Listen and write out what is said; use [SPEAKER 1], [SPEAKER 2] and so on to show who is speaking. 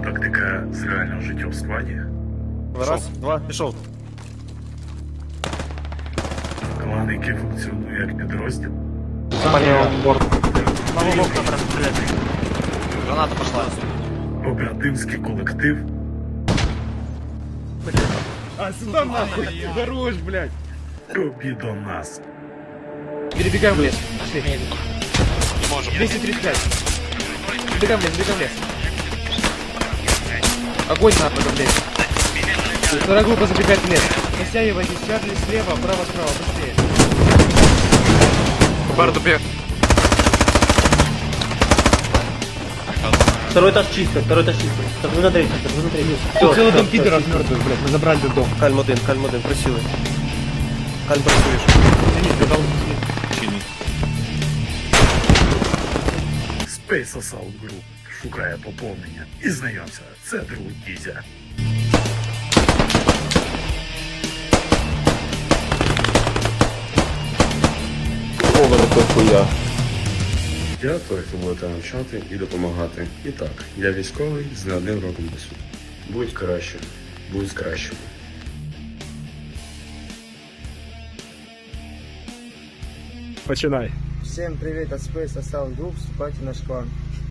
[SPEAKER 1] Тактика з реального життя в складі.
[SPEAKER 2] Раз, два, пішов.
[SPEAKER 1] Клан, який функціонує як підрозділ.
[SPEAKER 3] Граната пошла.
[SPEAKER 1] Оперативський колектив.
[SPEAKER 2] А, сюда нахуй! Хорош, блядь!
[SPEAKER 1] Тобі до нас.
[SPEAKER 2] Перебегаем в лес. Пошли.
[SPEAKER 3] Не можем.
[SPEAKER 2] 235. Бегаем в лес, бегаем в лес. Огонь на в лес. Вторая группа забегает в лес. Растягивайтесь, Чарли слева, право, справа, быстрее.
[SPEAKER 3] Бар добег.
[SPEAKER 4] Второй этаж чисто, Второй на третий,
[SPEAKER 2] Тут целый дом пидоров мертвых, блядь, мы забрали этот дом.
[SPEAKER 4] Кальм один, присіли. Кальм працюєш.
[SPEAKER 1] Space Assault Group шукає поповнення. І знайомся, це друг Дізя.
[SPEAKER 5] Я той, хто буде навчати і допомагати. І так, я військовий з не одним роком досвіду. Будь краще, будь кращим.
[SPEAKER 2] Починай.
[SPEAKER 6] Всем привет от Space Assault Group, вступайте в наш клан.